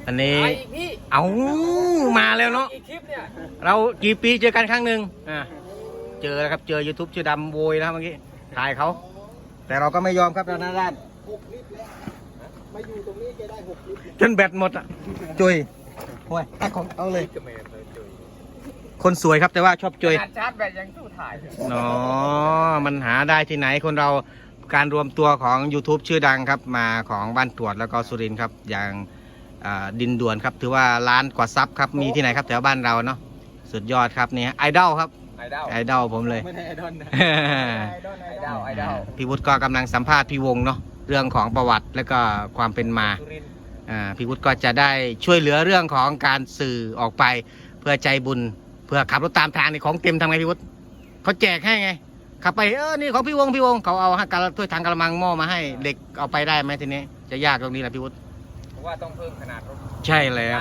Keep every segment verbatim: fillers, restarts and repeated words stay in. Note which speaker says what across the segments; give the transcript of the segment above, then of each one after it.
Speaker 1: อันนี้เอามาแล้วเนาะเรากี่ปีเจอกันครั้งหนึ่งอ่าเจอแล้วครับเจอ YouTube ชื่อดำโวยนะครับเมื่อกี้ถ่ายเขาแต่เราก็ไม่ยอมครับเราหน้าด้านมาอยู่ตรงนี้แกได้หกลิตรจนแบตหมดอ่ะจุยโอ้ยตักของเอาเลยคนสวยครับแต่ว่าชอบจุยชาร์จแบตยังสู้ถ่ายเนาะมันหาได้ที่ไหนคนเราการรวมตัวของ YouTube ชื่อดังครับมาของบ้านตรวจแล้วก็สุรินทร์ครับอย่างดินด่วนครับถือว่าล้านกว่าซับครับมีที่ไหนครับแถวบ้านเราเนาะสุดยอดครับนี่ไอดอลครับไอดอลไอดอลผมเลยไม่ใช่ไอดอลนะไอดอลไอดอลไอดอลพี่วุฒิก็กำลังสัมภาษณ์พี่วงเนาะเรื่องของประวัติและก็ความเป็นมาพี่วุฒิก็จะได้ช่วยเหลือเรื่องของการสื่อออกไปเพื่อใจบุญเพื่อขับรถตามทางในของเต็มทำไงพี่วุฒิเขาแจกให้ไงขับไปเออนี่ของพี่วงพี่วงเขาเอาการถ้วยทางกระมังหม้อมาให้เด็กเอาไปได้ไหมทีนี้จะยากตรงนี้แหละพี่วุฒิเพราะว่าต้องเพิ่มขนาดรถใช่แล้ว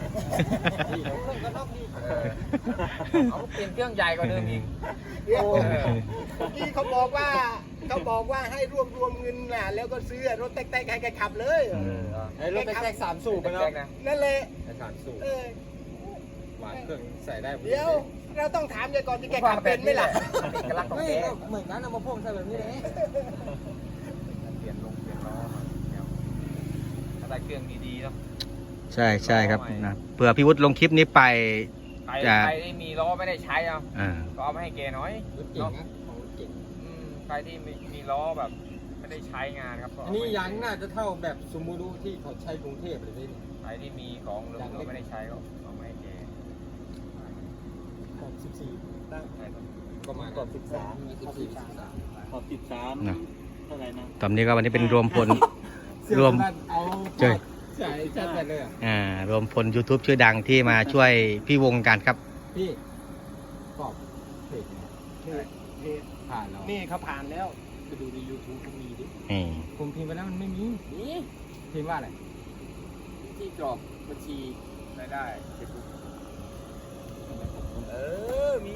Speaker 1: เขาเปลี่ยนเครื่องใหญ่กว่าเดิมอีก
Speaker 2: ที่เขาบอกว่าเขาบอกว่าให้รวบรวมเงินน่ะแล้วก็ซื้อรถแต๊กๆให้แกขับเลย
Speaker 3: รถแต๊กสามสูบไปเนาะ
Speaker 2: นั่นแหละ
Speaker 3: สามสูบวางเครื่องใส่ได้
Speaker 2: เดี๋ยวเราต้องถามแกก่อนที่แกขับเป็นไหมล่ะ
Speaker 3: กำลังของแกเหมือนกันเอามาพ่นใส่แบบนี้เลยเปลี่ยนลงเปลี่ยนล้อถ้าได้เครื่องดีๆเนาะ
Speaker 1: ใช่ใช่ครับนะเผื่อพี่วุฒิลงคลิปนี้ไป
Speaker 3: ใครใครที่มีล้อไม่ได้ใช้อ่ะก็เอามาให้แกน้อยเนาะใครที่มีมีล้อแบบไม่ได้ใช้งานครับ
Speaker 4: อันนี้ยางน่าจะเท่าแบบซูมูรุที่เขาใช้กรุงเทพเลยนี่
Speaker 3: ใครที่มีของเหลือไม่ได้ใช้ก็เอามาให้แก
Speaker 4: ขอบสิบสี่ตั้ง
Speaker 3: ก็มา
Speaker 4: ขอบสิบสามขอบสิบสามขอบสิบสามเท่าไหร่นะ
Speaker 1: ตอนนี้ก็วันนี้เป็นรวมพลรวมเจอ
Speaker 4: ใช่ใช่เลย
Speaker 1: อ่ารวมพล YouTube ชื่อดังที่มาช่วยพี่วงกันครับ
Speaker 4: พี่ตอบเพจผ่านแล้ว
Speaker 2: นี่เขาผ่านแล้ว
Speaker 4: ไปดูใน YouTube ก็มีดิ
Speaker 1: นี่
Speaker 4: ผมพิมพ์ไปแล้วมันไม่มี
Speaker 3: นี่
Speaker 4: พิมพ์ว่าอะไร
Speaker 3: ที่กรอกบัญชีรายได้เฟซบุ๊กเออมี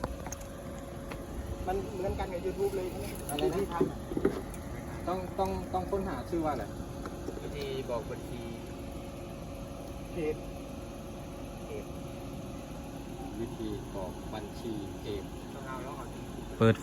Speaker 2: มันเหมือนกันกับ YouTube เลยใช่ไหม
Speaker 4: อะไรที่ทำต้องต้องต้องค้นหาชื่อว่าอะไร
Speaker 3: วิธีบอกบัญชี
Speaker 2: เพจ
Speaker 4: วิธีบอกบัญชีเพจ
Speaker 1: เปิดไฟ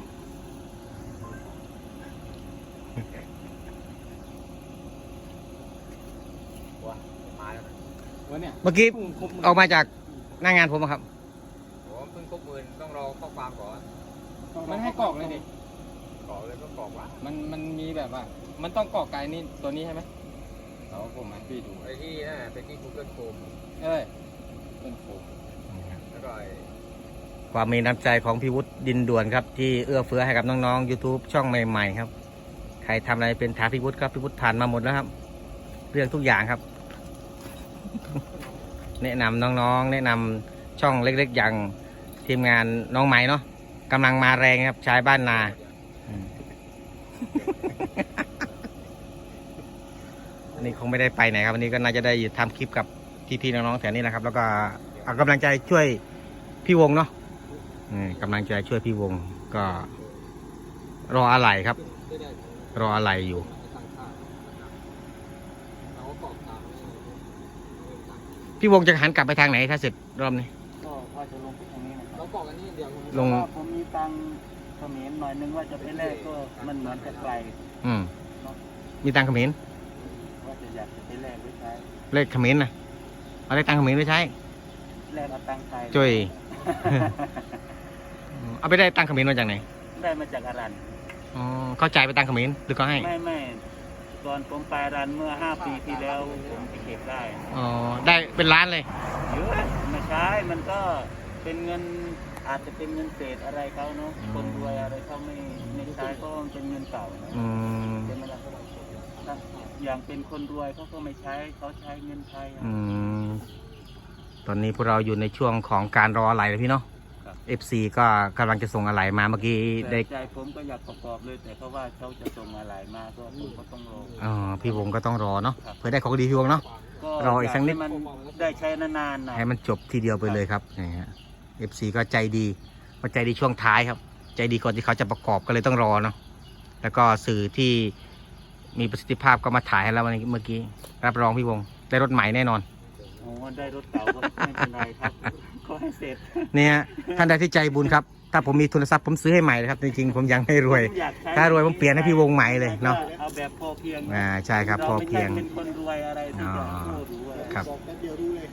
Speaker 1: เมื่อกี้ออกมาจากหน้างานผมครับ
Speaker 3: ผมเพิ่งครบหมื่นต้องรอข้อความก่อน
Speaker 4: มันให้กรอกเลยดิ
Speaker 3: กรอกเลยก็กรอกวะ
Speaker 4: มันมันมีแบบว่ามันต้องกรอกไกลนี่ตัวนี้ใช่ไหมเราผมมาพี่ดู
Speaker 3: ไอ้ที่นั่นเป็นที่ Google Chrome
Speaker 4: เอ้ยเป็นโคม
Speaker 3: แล้วก็
Speaker 1: ความมีน้ำใจของพี่วุฒิดินด่วนครับที่เอื้อเฟื้อให้กับน้องๆ YouTube ช่องใหม่ๆครับใครทำอะไรเป็นถามพี่วุฒิครับพี่วุฒิผ่านมาหมดแล้วครับเรื่องทุกอย่างครับแนะนำน้องๆแนะนำช่องเล็กๆอย่างทีมงานน้องใหม่เนาะกำลังมาแรงครับชายบ้านนาอันนี้คงไม่ได้ไปไหนครับวันนี้ก็น่าจะได้ทำคลิปกับพี่ๆน้องๆแถวนี้นะครับแล้วก็เอากำลังใจช่วยพี่วงเนาะกำลังใจช่วยพี่วงก็รออะไรครับรออะไรอยู่พี่วงจะหันกลับไปทางไหนถ้าเสร็จรอบนี้
Speaker 4: ก็ว่าจะลงไปทางนี้นะ
Speaker 2: เราบอกอันนี้เดี๋ยว
Speaker 1: ลง
Speaker 4: ผมมีตังเขมรหน่อยนึงว่าจะไปแลกก็มันเหมือนจะไกล
Speaker 1: อืมมีตังเขมร
Speaker 4: ว่าจะอยากจะไปแลกไว้ใช้
Speaker 1: เลขเขมรนะเอาได้ตังเขมรไว้ใช้
Speaker 4: แลกเอาตังไทย
Speaker 1: จุยเอาไปได้ตังเขมรมาจากไหน
Speaker 4: ได้มาจากอารัน
Speaker 1: อ๋อเข้าใจไปตังเขมรหรือก็ให้
Speaker 4: ไม่ไม่ตอนผมไปรันเมื่อห้าปีที่แล้วผมไปเก็บได้
Speaker 1: อ๋อได้เป็นล้านเลย
Speaker 4: เยอะไม่ใช่มันก็เป็นเงินอาจจะเป็นเงินเศษอะไรเขาเนาะคนรวยอะไรเขาไม่ไม่ใช้ก็เป็นเงินเก่านะเป็นอะไรก็อย่างเป็นคนรวยเขาก็ไม่ใช้เขาใช้เงินไทย
Speaker 1: ตอนนี้พวกเราอยู่ในช่วงของการรออะไรเลยพี่เนาะเอฟซีก็กำลังจะส่งอะไรมาเมื่อกี้ได้
Speaker 4: ใจผมก็อยากประกอบเลยแต่เพราะว่าเขาจะส่งอะไรมาก็ผมก็ต้องรอ
Speaker 1: อ๋อพี่วงก็ต้องรอเนาะเพื่อได้ของดีพี่วงเนาะรออีกสักนิด
Speaker 4: มันได้ใช้นานๆนะ
Speaker 1: ให้มันจบทีเดียวไปเลยครับนี่ฮะเอฟซีก็ใจดีมาใจดีช่วงท้ายครับใจดีก่อนที่เขาจะประกอบก็เลยต้องรอเนาะแล้วก็สื่อที่มีประสิทธิภาพก็มาถ่ายให้เราวันนี้เมื่อกี้รับรองพี่วงได้รถใหม่แน่นอน
Speaker 4: โอ้ได้รถเก่าก็ไม่เป็นไรครับขอให้เสร็จ
Speaker 1: เนี่ยท่านใดที่ใจบุญครับถ้าผมมีทุนทรัพย์ผมซื้อให้ใหม่เลยครับจริงๆผมยังไม่รวย
Speaker 4: อยากใช้
Speaker 1: ถ้ารวยผมเปลี่ยนให้พี่วงใหม่เลยเนาะ
Speaker 4: เอาแบบพอเพียง
Speaker 1: อ่าใช่ครับพอเพียง
Speaker 4: ราไม่ใช่เป็นคนรวยอะไรที่จะโอ้รู้อะไร
Speaker 1: ครับ
Speaker 2: บอกแป๊บเดียวรู้เลย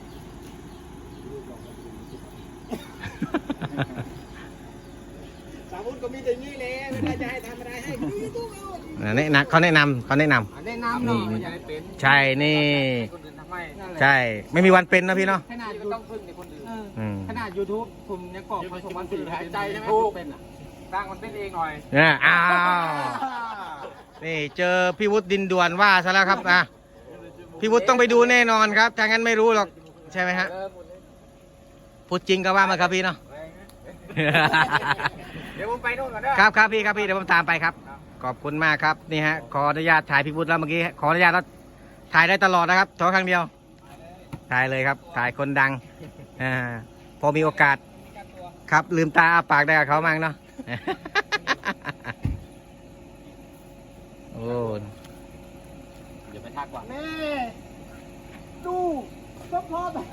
Speaker 2: สาวุธก็มีแต่นี้แหละเวลาจะให้ทำอะไรให้คือต้องเอา
Speaker 1: แนะนำเขาแนะนำเขาแนะนำ
Speaker 3: แนะนำหน่อยอย่าให้เป็น
Speaker 1: ใช่นี่
Speaker 3: คนอื่นทำไม
Speaker 1: ใช่ไม่มีวันเป็นนะพี่เนาะ
Speaker 3: ขนาดก็ต้องพึ่งในคนอื่น
Speaker 1: อืม
Speaker 3: ขนาด YouTube ผมยังกรอกผสมวันสี่หายใจใช่ไหมเป็นอ่ะสร้างมันเป็นเองหน่อย
Speaker 1: เนี่ยอ้าวนี่เจอพี่วุฒิดินด่วนว่าซะแล้วครับอ่ะพี่วุฒิต้องไปดูแน่นอนครับถ้างั้นไม่รู้หรอกใช่ไหมฮะพูดจริงก็ว่ามาครับพี่เนาะ
Speaker 3: เดี๋ยวผมไปโน่นก่อนเด้อ
Speaker 1: ครับครับพี่ครับพี่เดี๋ยวผมตามไปครับ ขอบคุณมากครับนี่ฮะขออนุญาตถ่ายพี่วุฒิแล้วเมื่อกี้ขออนุญาตแล้วถ่ายได้ตลอดนะครับขอครั้งเดียวถ่ายเลยครับถ่ายคนดังอ่าพอมีโอกาสครับลืมตาอ้าปากได้กับเขามั่งเนาะ โอ้
Speaker 3: เดี๋ยวไปทักก่อน
Speaker 2: แม่ดูก็พอแบบ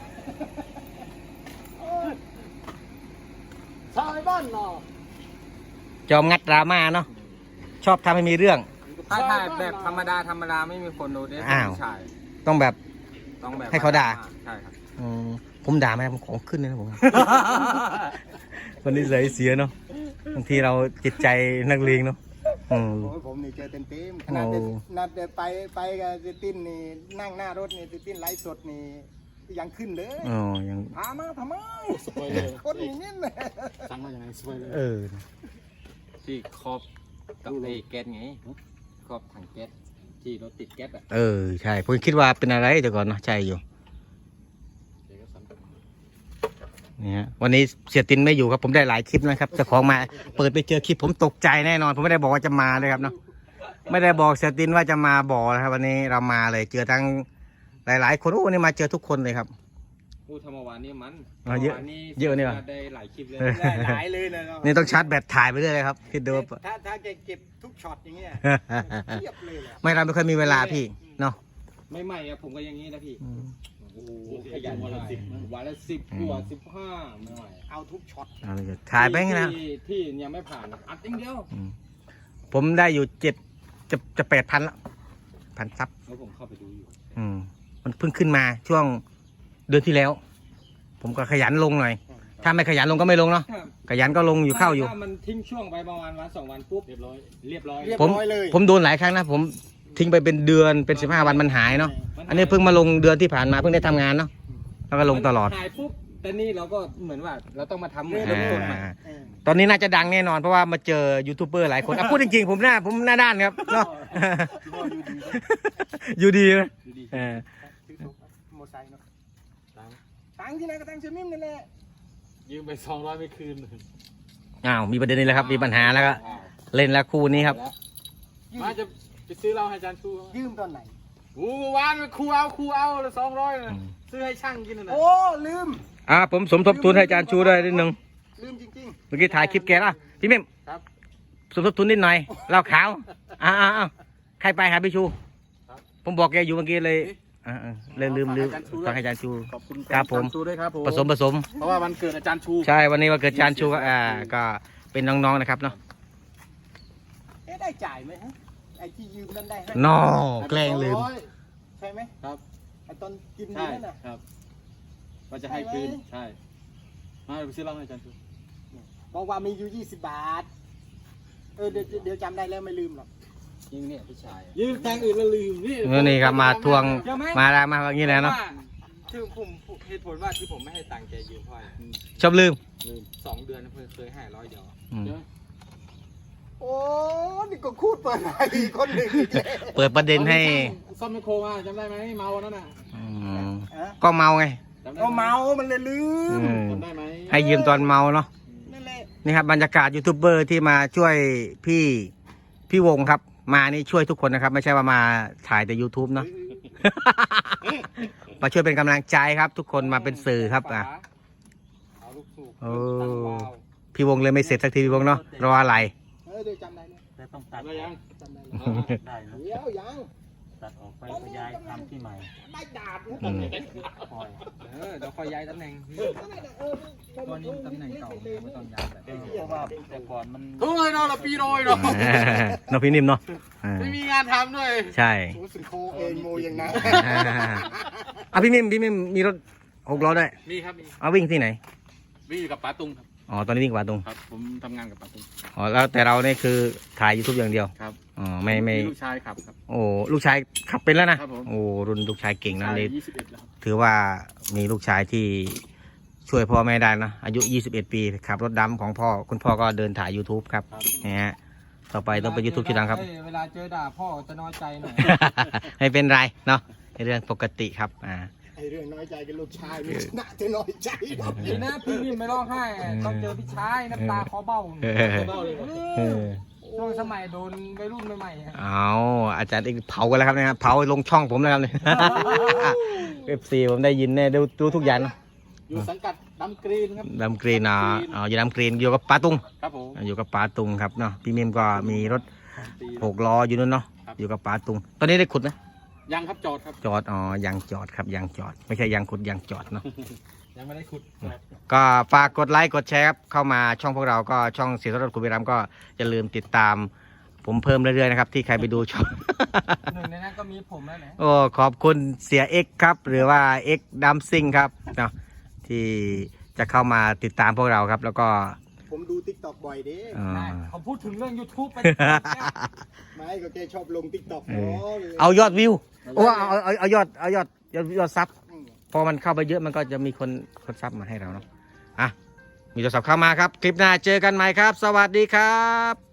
Speaker 2: ชาวบ้านเนาะ
Speaker 1: จอมงัดดราม่าเนาะชอบทำให้มีเรื่อง
Speaker 3: ถ้าถ่ายแบบธรรมดาธรรมดาไม่มีคนดูเนี่ย
Speaker 1: อ้าว
Speaker 3: ใช่
Speaker 1: ต้องแบบ
Speaker 3: ต้องแบบ
Speaker 1: ให้เขาด่า
Speaker 3: ใช่ครับ
Speaker 1: อืมผมด่าไหมผมของขึ้นเลยนะผม วันนี้เลยเสียเนาะบางทีเราจิตใจนักเลงเนาะอืม
Speaker 2: โอ้ยผมนี่เจอเต็มเต็มๆขนาดเด
Speaker 1: โอ้
Speaker 2: นัดเดินไปไปกับเจติ้นนี่นั่งหน้ารถนี่เจติ้นไลฟ์สดนี่ยังขึ้นเลย
Speaker 1: อ๋อยัง
Speaker 2: พามาทำไมคนอย่างนี้เลย
Speaker 3: สั่งมาอย่างไรสวยเลย
Speaker 1: เออ
Speaker 3: ที่ครอบกับไอ้แก๊สไงครอบถังแก๊สที่รถติดแก๊สอ่ะ
Speaker 1: เออใช่ผมคิดว่าเป็นอะไรแต่ก่อนเนาะใช่อยู่นี่ฮะวันนี้เสียตินไม่อยู่ครับผมได้หลายคลิปนะครับเจ้าของมาเปิดไปเจอคลิปผมตกใจแน่นอน ผมไม่ได้บอกว่าจะมาเลยครับเนาะไม่ได้บอกเสียตินว่าจะมาบอกนะครับ วันนี้เรามาเลยเจอทั้งหลายๆคนโอ้วันนี้มาเจอทุกคนเลยครับ
Speaker 3: พูดธรรมวานนี่มัน
Speaker 1: อ๋อเยอะ
Speaker 3: ธรรมวา
Speaker 1: เยอะนี่ว่ะ
Speaker 3: ได้หลายคลิปเลย
Speaker 2: หลายเลยนะเนาะ
Speaker 1: นี่ต้องชาร์จแบตถ่ายไปเรื่อยเลยครับคิดดูว่า
Speaker 2: ถ้าถ้าแกเก็บทุกช็อตอย่างเงี้ยเทียบเลยแหละ
Speaker 1: ไม่เราไม่เคยมีเวลาพี่เนาะ
Speaker 3: ไม่ใหม่อะผมก็อย่างนี้นะพี่
Speaker 1: อืม
Speaker 3: โอ้โหขยันวันละสิบวันละสิบกว่าสิบห้าไม่ไหว
Speaker 2: เอาทุกช็อต
Speaker 1: เอาเลยถ่ายไปงั้นนะ
Speaker 3: ที่ที่ยังไม่ผ่านอัดอย่างเดียว
Speaker 1: อืมผมได้อยู่เจ็ดจะจะแปดพันละพันซับ
Speaker 3: แล้วผมเข้าไปดูอยู่
Speaker 1: อืมมันเพิ่งขึ้นมาช่วงเดือนที่แล้ว ผมก็ขยันลงหน่อย ถ้าไม่ขยันลงก็ไม่ลงเนาะขยันก็ลงอยู่เข้าอยู่
Speaker 3: ถ้ามันทิ้งช่วงไปประมาณวันสองวันปุ๊บเรียบร้อยเรียบร้อย
Speaker 2: เรียบ
Speaker 1: ผม
Speaker 2: ร้อยเลย
Speaker 1: ผมโดนหลายครั้งนะผมทิ้งไปเป็นเดือนเป็นสิบห้าวันมันหายเนาะอันนี้เพิ่งมาลงเดือนที่ผ่านมาเพิ่งได้ทำงานเนาะแล้วก็ลงตลอด
Speaker 3: ถ่ายปุ๊บแต่นี่เราก็เหมือนว่าเราต้องมาทำเหมือนเริ่มต้นใหม่
Speaker 1: อ่า
Speaker 2: เออ
Speaker 1: ตอนนี้น่าจะดังแน่นอนเพราะว่ามาเจอยูทูบเบอร์หลายคนอ่ะพูดจริงๆผมหน้าผมหน้าด้านครับเนาะ อยู่ดีนะเออ
Speaker 2: ซื้อทุกมอไซค์เนาะตังค์ที่ไหนก็ตังค์เซมิมนั่นแหละ
Speaker 3: ยืมไปสองร้อยไม่คืน
Speaker 1: อ้าวมีประเด็นนี้แล้วครับมีปัญหาแล้วก็เล่นแล้วคู่นี้ครับ
Speaker 3: มาจะไปซื้อเหล้าให้อาจารย์ชู
Speaker 2: ยืมตอนไหน
Speaker 3: โอ้วานครูเอาครูเอาละสองร้อยซื้อให้ช่างกินน่ะ
Speaker 2: โอ้ลืม
Speaker 1: อ่าผมสมทบทุนให้อาจารย์ชูด้วยนิดนึง
Speaker 2: ลืมจริง
Speaker 1: เมื่อกี้ถ่ายคลิปแกแล้วพี่เมม
Speaker 3: ครับ
Speaker 1: สมทบทุนนิดหน่อยเหล้าขาวอ่าอ่าอ่าใครไปหาพี่ชู ผมบอกแกอยู่เมื่อกี้เลยอ่าอ่าเลยลืมลืมฟังให้อาจารย์ชู
Speaker 3: ขอบคุณ
Speaker 1: ครับผม
Speaker 3: ชูด้วยครับผม
Speaker 1: ผสมผสม
Speaker 3: เพราะว่าวันเกิดอาจารย์ชู
Speaker 1: ใช่วันนี้วันเกิดอาจารย์ชูก็อ่าก็เป็นน้องๆนะครับเนาะ
Speaker 2: ๆเอ๊ะได้จ่ายไหมฮะไอ้ที่ยืมนั่นได้ให้
Speaker 1: นอแกล้งลืม
Speaker 2: ใช่ไหม
Speaker 3: ครับ
Speaker 2: ไอ้ตอนกิน
Speaker 3: ใช่
Speaker 2: นี่นั่นน่ะ
Speaker 3: ครับว่าจะให้คืนใช่มาไปซื้อเหล้าให้อาจารย์ชู
Speaker 2: บอกว่ามีอยู่ยี่สิบบาทเออเดี๋ยวเดี๋ยวจำได้แล้วไม่ลืมหรอก
Speaker 3: ยิงเนี่ยพี่ชายยืมแทงอื่นแล้วลืมนี่
Speaker 1: เออนี่ครับมาทวงมาแล้วมาอย่างนี้แล้วเนาะ
Speaker 3: คือผมเหตุผลว่าที่ผมไม่ให้ตังค์แกยืมเพราะอะไร
Speaker 1: ชอบลืม
Speaker 3: ลืมสองเดือนเคยเคยให้ร้อยเดียว
Speaker 1: อืม
Speaker 2: โอ้นี่ก็คูดเปิดอะไรอีกคนหนึ่งอีกแล้ว
Speaker 1: เปิดประเด็นให้
Speaker 3: ซ่อมไมโครมาจำได้ไหมเมาวันนั้นน่ะ
Speaker 1: อืม
Speaker 2: ฮะ
Speaker 1: ก็เมาไง
Speaker 3: จำได้
Speaker 2: ก็
Speaker 3: ไห
Speaker 2: เมามันเลยลืม
Speaker 1: อืม
Speaker 3: จำได้ไหม
Speaker 1: ให้ยืมตอนเมาเนาะ
Speaker 2: นั่นแหละ
Speaker 1: นี่ครับบรรยากาศยูทูบเบอร์ที่มาช่วยพี่พี่วงครับ มานี่ช่วยทุกคนนะครับ ไม่ใช่ว่ามาถ่ายแต่ YouTube เนาะ มาช่วยเป็นกำลังใจครับ ทุกคนมาเป็นสื่อครับอ่ะ
Speaker 3: เอาลูกสูบ
Speaker 1: โอ้
Speaker 3: ตั้งวาล์ว
Speaker 1: พี่วงเลยไม่เสร็จสักทีพี่วงเนาะรออะไร
Speaker 2: เออเดี๋ยวจำได้แล้ว
Speaker 4: แต่ต้องตัด
Speaker 3: ได้ยัง
Speaker 2: จำได้แล้ว
Speaker 4: ได้เนอะ
Speaker 2: เดี๋ยวยัง
Speaker 4: ตัดออกไปก็ย้ายทำที่ใหม่
Speaker 2: ได้ดาบ
Speaker 1: อืม
Speaker 4: ปล่อย
Speaker 3: เออเดี๋ยวคอยย้ายตำแหน่งตัวนี้ตำแหน่งเก่าไม่ต้องย้ายแบบ
Speaker 4: เพราะว่าแต่ก่อนมัน
Speaker 2: เฮ้ยนอนละปีโรยเนาะ
Speaker 1: เนาะพี่นิ่มเนาะอ่า
Speaker 2: ไม่มีงานทำด้วย
Speaker 1: ใช่
Speaker 2: โอ้สึงโคเองโมอย่างนั้น
Speaker 1: อ่ะพี่นิ่มพี่นิ่มมีรถหกล้อด้วย
Speaker 5: มีครับมี
Speaker 1: เอาวิ่งที่ไหน
Speaker 5: วิ่งอยู่กับป๋าตุงครับ
Speaker 1: อ๋อตอนนี้วิ่งกว่าตรง
Speaker 5: ครับ ผมทำงานกับป๋าตุง
Speaker 1: อ๋อแล้วแต่เราเนี่ยคือถ่าย YouTube อย่างเดียว
Speaker 5: ครับ
Speaker 1: อ๋อไม่ไม่
Speaker 5: ลูกชายขับครับ
Speaker 1: โอ้ลูกชายขับเป็นแล้วนะครับ
Speaker 5: ผม
Speaker 1: โอ้รุ่นลูกชายเก่งนะ
Speaker 5: ชาย
Speaker 1: นี่
Speaker 5: ยี่สิบเอ็ดแล้วครับ
Speaker 1: ถือว่ามีลูกชายที่ช่วยพ่อแม่ได้นะอายุ ยี่สิบเอ็ด ปีขับรถดำของพ่อคุณพ่อก็เดินถ่าย YouTube ครับ
Speaker 5: ครับ
Speaker 1: นะฮะต่อไปต้องเป็น YouTube ชื่อดังครับ
Speaker 3: เอ้ยเวลาเจอด่าพ่อจะน้อยใจหน่อย
Speaker 1: ไม่เป็นไรเนาะเป็นเรื่องปกติครับอ่า
Speaker 2: ไอเรื่องน้อยใจกับลูกชายไม่ชนะจะน้อยใจหรอก
Speaker 3: ดีนะพี่นิ่มไม่ร้องไห้อะต้องเจอพี่ชายน้ำตาคอเบ้า
Speaker 1: เออ เออ
Speaker 3: ช่วงสมัยโดนวัยรุ่นใหม่ๆอะ
Speaker 1: เอาอาจารย์เอกเผากันแล้วครับเนะครับเผาลงช่องผมแล้วครับเนี่ย เอฟซีผมได้ยินแน่ดูดูทุกอย่างนะ
Speaker 5: อยู่สังกัดดำกรีนครับ
Speaker 1: ดำกรีนอ่ะอ๋ออยู่ดำกรีนอยู่กับปาตุง
Speaker 5: ครับผม
Speaker 1: อยู่กับปาตุงครับเนาะพี่มิมก็มีรถ
Speaker 5: สองปี
Speaker 1: หกล้ออยู่นู่นเนาะ
Speaker 5: ครับ
Speaker 1: อยู่กับปาตุง ตอนนี้ได้ขุดไหม
Speaker 5: ยังครับจอดครับ
Speaker 1: จอดอ๋อยังจอดครับยังจอด ไม่ใช่ยังขุดยังจอดเนาะ
Speaker 3: ยังไม่ได้ขุด
Speaker 1: ก็ฝากกดไลค์กดแชร์ครับเข้ามาช่องพวกเราก็ช่องเสียรถคุณวิรัมก็อย่าลืมติดตามผมเพิ่มเรื่อยๆนะครับที่ใครไปดูช่อง
Speaker 3: หนึ่งในนั้นก็มีผมแล้วแหละ
Speaker 1: โอ้ขอบคุณเสียเอ็กครับ หรือว่าเอ็กดัมซิงครับเนาะที่จะเข้ามาติดตามพวกเราครับ แล้วก็
Speaker 2: ผมดูติ๊กต็อกบ่อยเด้
Speaker 1: เอ่อ
Speaker 3: ได้เขาพูดถึงเรื่อง YouTube ไป
Speaker 2: ไม่ก็แกชอบลงติ๊กต็อก
Speaker 1: เอ
Speaker 2: เนา
Speaker 1: อ
Speaker 2: ะ
Speaker 1: เอายอดวิวโอ้เอาเอาเอาเอายอดเอายอดยอดยอดซับพอมันเข้าไปเยอะมันก็จะมีคนคนซับมาให้เราเนาะอ่ะมีโทรศัพท์เข้ามาครับ คลิปหน้าเจอกันใหม่ครับ สวัสดีครับ